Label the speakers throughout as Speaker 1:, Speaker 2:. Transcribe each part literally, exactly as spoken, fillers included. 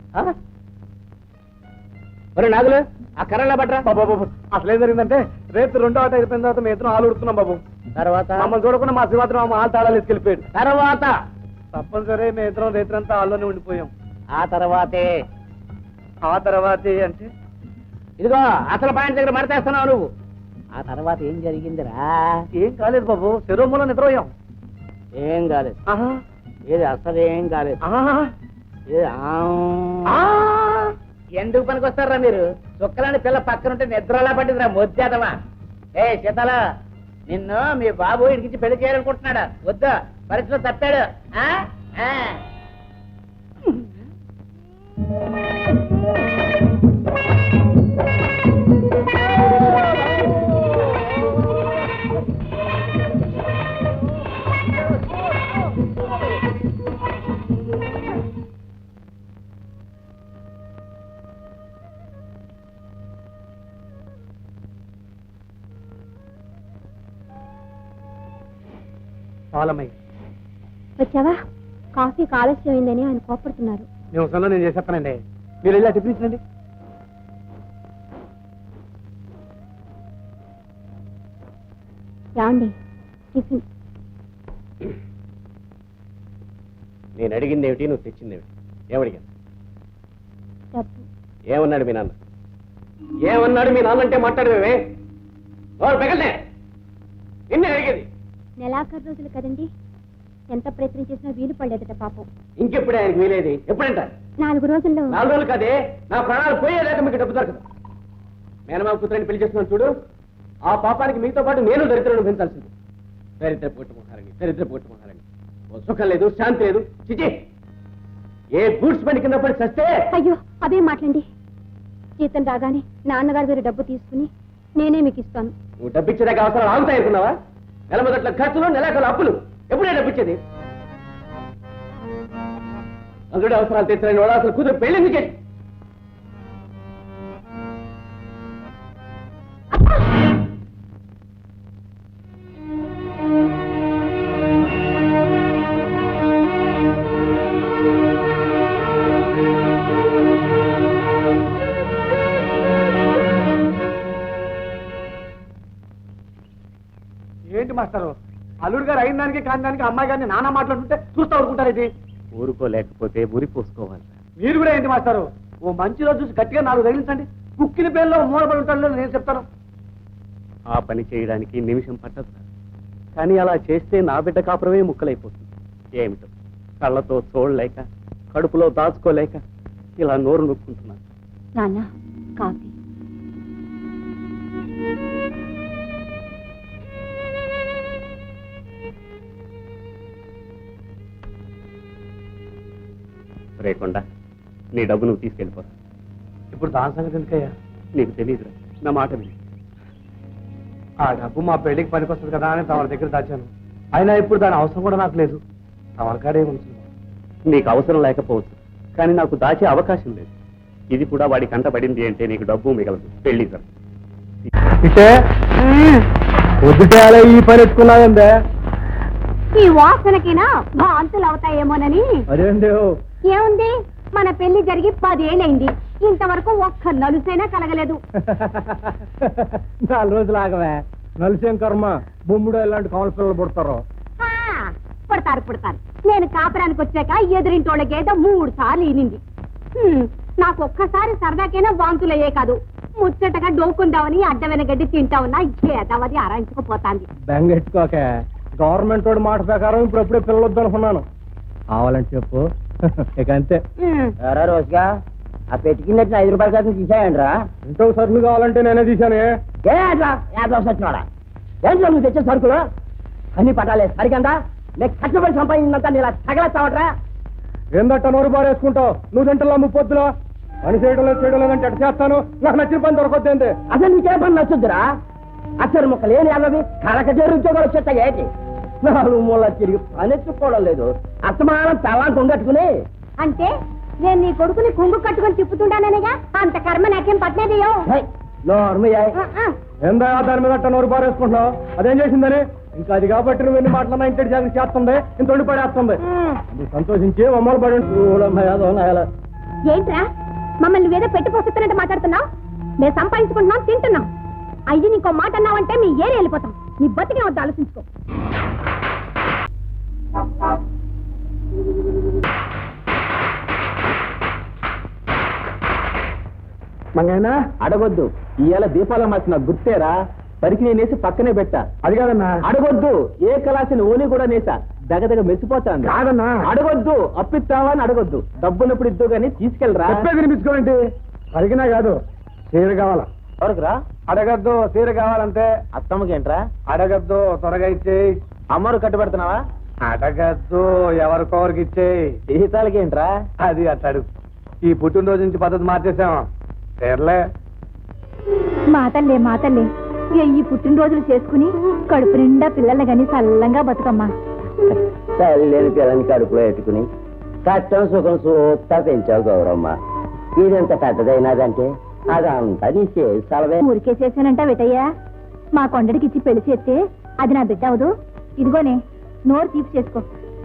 Speaker 1: ఒరే నాగులు ఆ కర్రలా పట్రా.
Speaker 2: బాబు అసలు ఏం జరిగిందంటే రేపు రెండో ఆట అయిపోయిన తర్వాత మేము ఇద్దరం ఆలు ఉడుతున్నాం బాబు.
Speaker 1: తర్వాత
Speaker 2: మమ్మల్ని చూడకుండా మా శివాత్రం మా ఆలు తాళాలు ఎత్తుకెళ్ళిపోయాడు.
Speaker 1: తర్వాత
Speaker 2: తప్పనిసరి మేము ఇద్దరం రేత్రంతా ఆల్లోనే ఉండిపోయాం.
Speaker 1: ఆ తర్వాతే
Speaker 2: ఆ తర్వాతే అంటే
Speaker 1: ఇదిగో అసలు పాయింట్ దగ్గర మడతేస్తున్నావు నువ్వు. ఆ తర్వాత ఏం జరిగిందిరా?
Speaker 2: ఏం కాలేదు బాబు, శరీరంలో నిద్రపోయాం.
Speaker 1: ఏం కాలేదు. ఏది అసలు ఏం కాలేదు. ఏది ఎందుకు పనికి వస్తారా మీరు? చుక్కలాంటి పిల్ల పక్కన ఉంటే నిద్రలా పట్టిందిరా మొద్దేదవా. ఏ శీతల, నిన్ను మీ బాబు ఇడికించి పెళ్లి చేయాలనుకుంటున్నాడా? వద్దా, పరిస్థితిలో తప్పాడు.
Speaker 3: వచ్చావా? కాఫీ ఆలస్యం అయిందని ఆయన కోపడుతున్నారు.
Speaker 2: నేను వస్తాను, నేను చేసేస్తానండి. మీరు వెళ్ళి టిఫిన్ ఇచ్చండి.
Speaker 3: రాండి టిఫిన్.
Speaker 1: నేను అడిగింది ఏమిటి, నువ్వు తెచ్చింది ఏమిటి? ఏమడిగాను?
Speaker 3: డబ్బు.
Speaker 1: ఏమన్నాడు మీ నాన్న? ఏమన్నాడు మీ నాన్న అంటే మాట్లాడమే పెగలే. నిన్నే అడిగేది.
Speaker 3: నెలాఖరు రోజులు కదండి, ఎంత ప్రయత్నం చేసినా వీలు పడలేదట పాపం.
Speaker 1: ఇంకెప్పుడే ఆయనకి వీలేది? ఎప్పుడంట?
Speaker 3: నాలుగు రోజుల్లో.
Speaker 1: నాలుగు రోజులు కాదే, నా ప్రాణాలు పోయేలేక మీకు డబ్బు దొరకదు. మేనమామ కూతురని పెళ్లి చేస్తున్నాను చూడు, ఆ పాపానికి మీతో పాటు నేను దరిద్రులను పెంచాల్సింది. దరిద్ర పోట్టుమోహాలని, దరిద్ర పోట్టుమోహాలని. ఓ సుఖం లేదు, శాంతి లేదు. చిచి, ఏ గూడ్స్ బండి కింద పడి చస్తే.
Speaker 3: అయ్యో అదే మాట్లాడండి. జీతం రాగానే నాన్నగారి దగ్గర డబ్బు తీసుకుని నేనే మీకు ఇస్తాను.
Speaker 1: నువ్వు డబ్బిచ్చేదాకా అవసరాలు ఆగుతాయి అనుకున్నావా? నెల మొదట్ల ఖర్చులు, నెలాఖరు అప్పులు. ఎప్పుడే డబ్బిచ్చేది? అందులో అవసరాలు తెచ్చలేని వాడు అసలు కూతురు పెళ్లి ఎందుకు చేసి?
Speaker 2: ఏంటి మాస్టారు, అల్లుడు గారు అయిన దానికి కాని దానికి అమ్మాయి గారిని నానా మాట్లాడుతుంటే చూస్తూ ఊరుకుంటారు. ఇది
Speaker 1: ఊరుకోలేకపోతే ఉరి పోసుకోవాలి.
Speaker 2: మీరు కూడా ఏంటి మాస్టారు, ఓ మంచి రోజు చూసి గట్టిగా నాలుగు తగిలించండి. కుక్కిన పేర్లో మూలపడి ఉంటాడు నేను చెప్తాను.
Speaker 1: ఆ పని చేయడానికి నిమిషం పట్టదు, కానీ అలా చేస్తే నా బిడ్డ కాపురమే ముక్కలైపోతుంది. ఏమిటో కళ్ళతో చూడలేక, కడుపులో దాచుకోలేక ఇలా నోరు నొక్కుంటున్నాను.
Speaker 3: నాన్న కాఫీ.
Speaker 1: రేకుండా నీ డబ్బు నువ్వు తీసుకెళ్ళిపోతా.
Speaker 2: ఇప్పుడు దాని సంగతి ఎందుకయ్యా?
Speaker 1: నీకు తెలియదురా, నా మాట విని.
Speaker 2: ఆ డబ్బు మా పెళ్లికి పనికొస్తుంది కదా అని తమ దగ్గర దాచాను. అయినా ఇప్పుడు దాని అవసరం కూడా నాకు లేదు. తమకాడే ఉంటుంది.
Speaker 1: నీకు అవసరం లేకపోవచ్చు, కానీ నాకు దాచే అవకాశం లేదు. ఇది కూడా వాడి కంట పడింది అంటే నీకు డబ్బు మిగలదు. పెళ్లి సార్
Speaker 2: పొద్దుటేళ ఈ పని ఎత్తుకున్నాయందే.
Speaker 3: ఈ వాసనకినా భాంతులు అవుతాయేమోనని. ఏముంది, మన పెళ్లి జరిగి పదేళ్ళైంది, ఇంతవరకు ఒక్క నలుసైనా కలగలేదు.
Speaker 2: నాలుగు రోజులు ఆగవే, నలుసేం కర్మ. బొమ్ముడు ఇలాంటి కావల పిల్లలు పుడతారు.
Speaker 3: పుడతారు పుడతారు. నేను కాపురానికి వచ్చాక ఎదురింటోళ్ళకి ఏదో మూడు సార్లు ఈనింది. నాకు ఒక్కసారి సరదాకైనా వాంతులయ్యే కాదు, ముచ్చటగా డోకుందామని అడ్డమైన గడ్డి తింటామన్నా ఏదావది ఆరాయించుకుపోతాంది.
Speaker 2: బెంగెట్టుకోక, గవర్నమెంట్ వాడు మాట ప్రకారం ఇప్పుడు ఎప్పుడే పిల్లలు వద్దనుకున్నాను. కావాలంటే చెప్పు, ఇక అంతే.
Speaker 1: రోజుగా ఆ పెట్టుకున్నట్టు ఐదు రూపాయల శాతం తీసాయండి రా.
Speaker 2: ఇంట్లో సరుకులు కావాలంటే నేనే తీశాను.
Speaker 1: ఏ అట్లా యాభై వచ్చినాడా? ఏంట్లో నువ్వు తెచ్చే సరుకులు అన్ని పట్టాలే సరికందా? నేను కష్టపడి సంపాదించినంత ఇలా తగలస్తావట్రా.
Speaker 2: ఏందట్ట నోరు బారేసుకుంటావు? నువ్వు తింటలా ముప్పొద్దులో పని చేయడం లేదు చేయడం లేదంటే ఎట్ట చేస్తాను? నాకు నచ్చిన పని దొరకొద్దేంది?
Speaker 1: అసలు నీకే పని నచ్చుద్దురా? అసలు మొక్కలు ఏమి అన్నది కళకచేరు ఉద్యోగాలు వచ్చేస్తాయి ఏంటి? నాలుగు మూల తిరిగి పని ఎత్తుకోవడం లేదు, అస్తమానం తలా కొంగట్టుకుని.
Speaker 3: అంటే నేను నీ కొడుకుని కుంగు కట్టుకుని తిప్పుతుంటాననేగా, అంత కర్మ నాకేం పట్టలేదయ్యో.
Speaker 2: ఏందా దాని మీద అట్ట నోరు బారేసుకుంటున్నావు? అదేం చేసిందని? ఇంకా అది కాబట్టి నువ్వు ఎన్ని మాటలన్నా ఇంటి జాగ్రత్త చేస్తుంది, ఇంత వండి పడేస్తుంది. నువ్వు సంతోషించి అమ్మలు పడి
Speaker 3: ఏంట్రా మమ్మల్ని నువ్వేదో పెట్టి పోస్తున్నట్టు మాట్లాడుతున్నావు? మేము సంపాదించుకుంటున్నాం, తింటున్నాం. అయ్యి నీకో మాట అన్నావంటే మీ ఏరి వెళ్ళిపోతాం. నీ బతికే వద్ద ఆలోచించుకో.
Speaker 2: మంగైనా
Speaker 1: అడగొద్దు. ఇవాళ దీపాల మార్చిన గుర్తేరా, పరికి నేనేసి పక్కనే పెట్టా.
Speaker 2: అది కాదన్నా.
Speaker 1: అడగొద్దు. ఏ కళాసిన ఓని కూడా నేసా, దగ్గదగ మెచ్చిపోతాను.
Speaker 2: కాదన్నా.
Speaker 1: అడగొద్దు. అప్పిస్తావా అని అడగొద్దు. డబ్బున్నప్పుడు ఇద్దు గానీ తీసుకెళ్ళరా.
Speaker 2: చెప్పే వినిపించుకోండి. అడిగినా కాదు, చీర కావాలా?
Speaker 1: ఎవరికిరా?
Speaker 2: అడగద్దు, చీర కావాలంటే.
Speaker 1: అత్తమ్మకేంట్రా?
Speaker 2: అడగద్దు, త్వరగా ఇచ్చేయి.
Speaker 1: అమ్మరు కట్టుబెడుతున్నావా?
Speaker 2: అడగద్దు, ఎవరికొవరికి ఇచ్చేయి.
Speaker 1: జీతాలకేంట్రా?
Speaker 2: అది అట్టాడు. ఈ పుట్టినరోజు నుంచి పద్ధతి మార్చేసాం. చీరలే.
Speaker 3: మాతల్లే మాతల్లే ఈ పుట్టినరోజులు చేసుకుని కడుపు నిండా పిల్లల్ని గాని చల్లంగా బతుకమ్మా.
Speaker 4: తల్లిని పిల్లని కడుపులో ఎట్టుకుని కష్టం సుఖం సూక్తా పెంచావు గౌరమ్మ. ఇదెంత పెద్దదైనదంటే అదంతా నీ చేసి సలవే.
Speaker 3: ఊరికే చేశానంట వెటయ్యా. మా కొండడికి ఇచ్చి పెళ్లి చేస్తే అది నా బిడ్డ అవదు. ఇదిగోనే నోరు తీపి చేసుకో.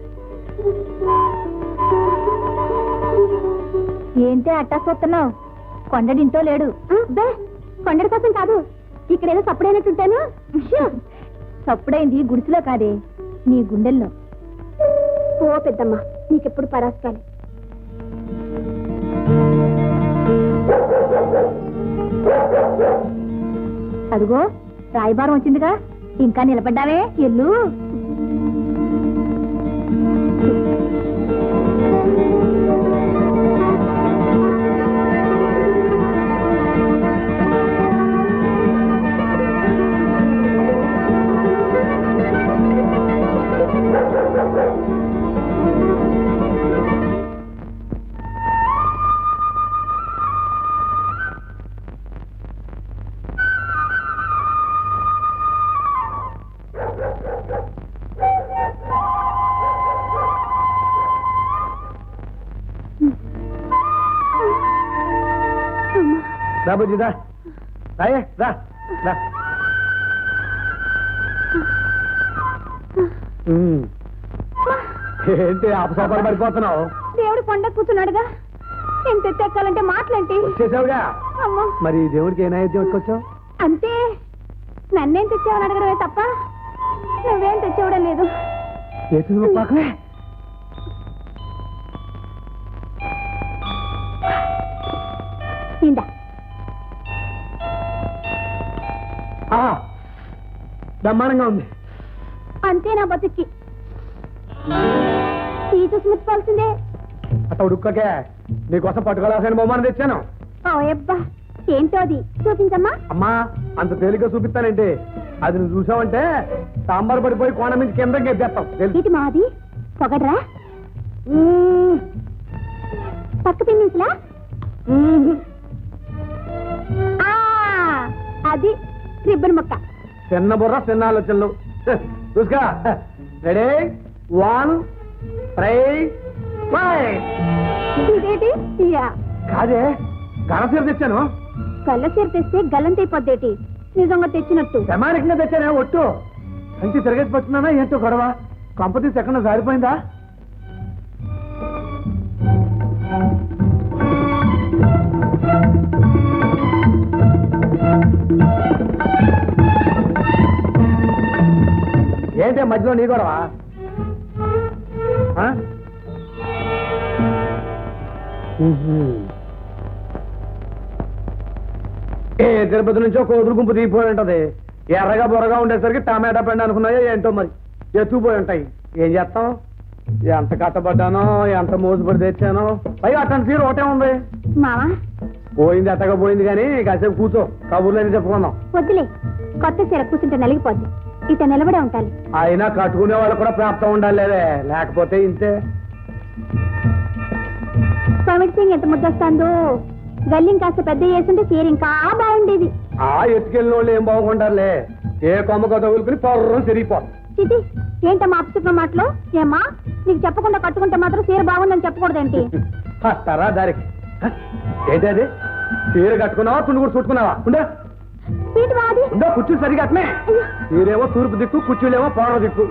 Speaker 3: ఏంటి అట్టా చూస్తున్నావు? కొండడింటో లేడు. కొండడి కోసం కాదు, ఇక్కడేదో సప్పుడైనట్టుంటాను. సప్పుడైంది గుడిసెలో కాదే, నీ గుండెల్లో. ఓ పెద్దమ్మ, నీకెప్పుడు పరాస్కాలి. అదిగో రాయబారం వచ్చిందిగా, ఇంకా నిలబడ్డావే, ఎల్లు.
Speaker 2: రా బుజ్జి, రా రాయే, రా రా. ఉమ్. ఏంటి అపసోపాలు పడిపోతున్నావు?
Speaker 3: దేవుడు కొండ కూర్చున్నాడుగా, ఎంత ఎక్కాలంటే మాటలేంటి?
Speaker 2: వచ్చేసావుగా.
Speaker 3: అమ్మో,
Speaker 2: మరి దేవుడికి ఏ నైవేద్యం వచ్చావు?
Speaker 3: అంతే. నన్నేం తెచ్చావని అడగడమే తప్ప నువ్వేం తెచ్చేవడం లేదు.
Speaker 2: పాకలే.
Speaker 3: ఇందా
Speaker 2: బ్రహ్మాండంగా ఉంది.
Speaker 3: అంతే నా బతుక్కి. ఈ చూసి ముట్టుకోవాల్సిందే.
Speaker 2: అట్ట ఉడుక్కకే, నీకోసం పట్టుకోవాల్సిన బొమ్మను తెచ్చాను.
Speaker 3: ఓయబ్బా, ఏంటో అది చూపించమ్మా.
Speaker 2: అమ్మా, అంత తేలిగ్గా చూపిస్తానంటే అది నువ్వు చూసావంటే సాంబార్ పడిపోయి కోణ నుంచి కింద గెద్దేస్తాం.
Speaker 3: ఇది మాది పొగడ్రా. పక్క పిన్నించలా? అది రిబ్బన్ ముక్క.
Speaker 2: చిన్న బుర్ర చిన్న ఆలోచనలు. చూసుకో. Ready, one, three, five.
Speaker 3: ఇదేంటి?
Speaker 2: కాదే, గణసీర తెచ్చాను.
Speaker 3: గల్ల చీర తెస్తే గల్లంతైపోద్దేటి? నిజంగా తెచ్చినట్టు
Speaker 2: ప్రమాణికంగా తెచ్చానే ఒట్టు. కంచి తిరగేసి పట్టున్నానా ఏంటో గొడవ? కంపతీసి ఎక్కడ జారిపోయిందా? ఏంటే మధ్యలో నీ గొడవ? ఏ తిరుపతి నుంచో కోతులు గుంపు దిగిపోయి ఉంటది. ఎర్రగా బొరగా ఉండేసరికి టమాటా పండు అనుకున్నాయో ఏంటో మరి ఎత్తుకుపోయి ఉంటాయి. ఏం చేస్తాం? ఎంత కట్టబడ్డానో, ఎంత మోసుపడి తెచ్చానో. పైగా అట్టని సీరు ఒకటే ఉంది.
Speaker 3: మావా
Speaker 2: పోయింది అట్టగా పోయింది కానీ కాసేపు కూర్చో, కబుర్లని చెప్పుకుందాం.
Speaker 3: వద్దులే, కొత్త చీర కూర్చుంటే నలిగిపోద్ది. ఇట నిలబడే ఉంటాలి.
Speaker 2: అయినా కట్టుకునే వాళ్ళు కూడా ప్రాప్తం ఉండాలి, లేకపోతే ఇంతే.
Speaker 3: పమిడి సింగ్ ఎంత ముద్దొస్తాందో. గల్లిం కాస్త పెద్ద చేస్తుంటే చీర ఇంకా బాగుండేది.
Speaker 2: ఆ ఎత్తుకెళ్ళిన వాళ్ళు ఏం బాగుంటారులే. ఏ కొమ్మకో తగులుకుని పొర్రం తిరిగిపోతుంది.
Speaker 3: చిటి, ఏంటమ్మా అప్సుకున్న మాటలు? ఏమ్మా, నీకు చెప్పకుండా కట్టుకుంటే మాత్రం చీర బాగుందని చెప్పకూడదేంటి?
Speaker 2: వస్తారా దారికి? ఏంటది? చీర కట్టుకున్నావా, తుండు కూడా చుట్టుకున్నావా? ఉండే ఉందో కుర్చీలు సరిగా అట్నే. చీరేమో తూర్పు దిక్కు, కుర్చీలేమో పౌర్వ దిక్కు.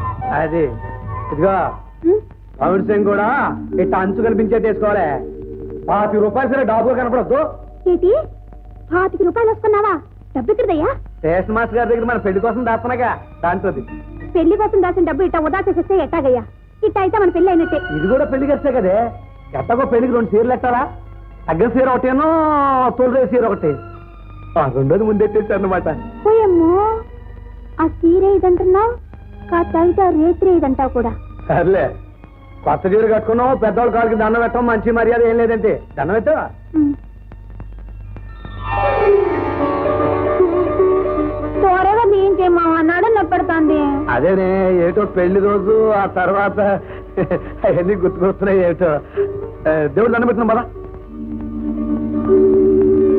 Speaker 2: అది ఇదిగా పమిడి సింగ్ కూడా ఇట్లా అంచు కనిపించేది వేసుకోవాలి. పాతి రూపాయలు సరే డాబుగా కనపడద్దు.
Speaker 3: ఏంటి పాతిక రూపాయలు వస్తున్నావా? డబ్బు ఇక్కడదయ్యా?
Speaker 2: స్టేషన్ మాస్టర్ గారి దగ్గర మన పెళ్లి కోసం దాస్తున్నాగా దాంట్లోది.
Speaker 3: పెళ్లి కోసం దాసిన డబ్బు ఇట్ట ఉదా చేసేస్తే ఎట్టాగయ్యా? ఇట్ట అయితే మన పెళ్లి అయినట్టే.
Speaker 2: ఇది కూడా పెళ్లి ఖర్చే కదే. ఎట్టగో పెళ్లికి రెండు చీరలు ఎట్టారా? తగ్గ చీర ఒకటేనో తొలి చీర ఒకటి. ఆ రెండోది ముందెట్టేసారు అనమాట.
Speaker 3: పోయమ్మో, ఆ చీర ఇదంటున్నావు, కాస్త అయితే రేత్రి ఇదంటావు కూడా.
Speaker 2: సర్లే, కొత్త చీర కట్టుకున్నావు, పెద్దవాళ్ళ కాళ్ళకి దండం పెట్టడం మంచి మర్యాద ఏం లేదంటే. దండం పెట్టావా?
Speaker 3: త్వరగా దీంచేమా అన్నాడు నొప్పెడుతోంది.
Speaker 2: అదేనే ఏటో పెళ్లి రోజు, ఆ తర్వాత అవన్నీ గుర్తుకొస్తున్నాయి ఏటో. దేవుడు దండం పెట్టిన బాధ.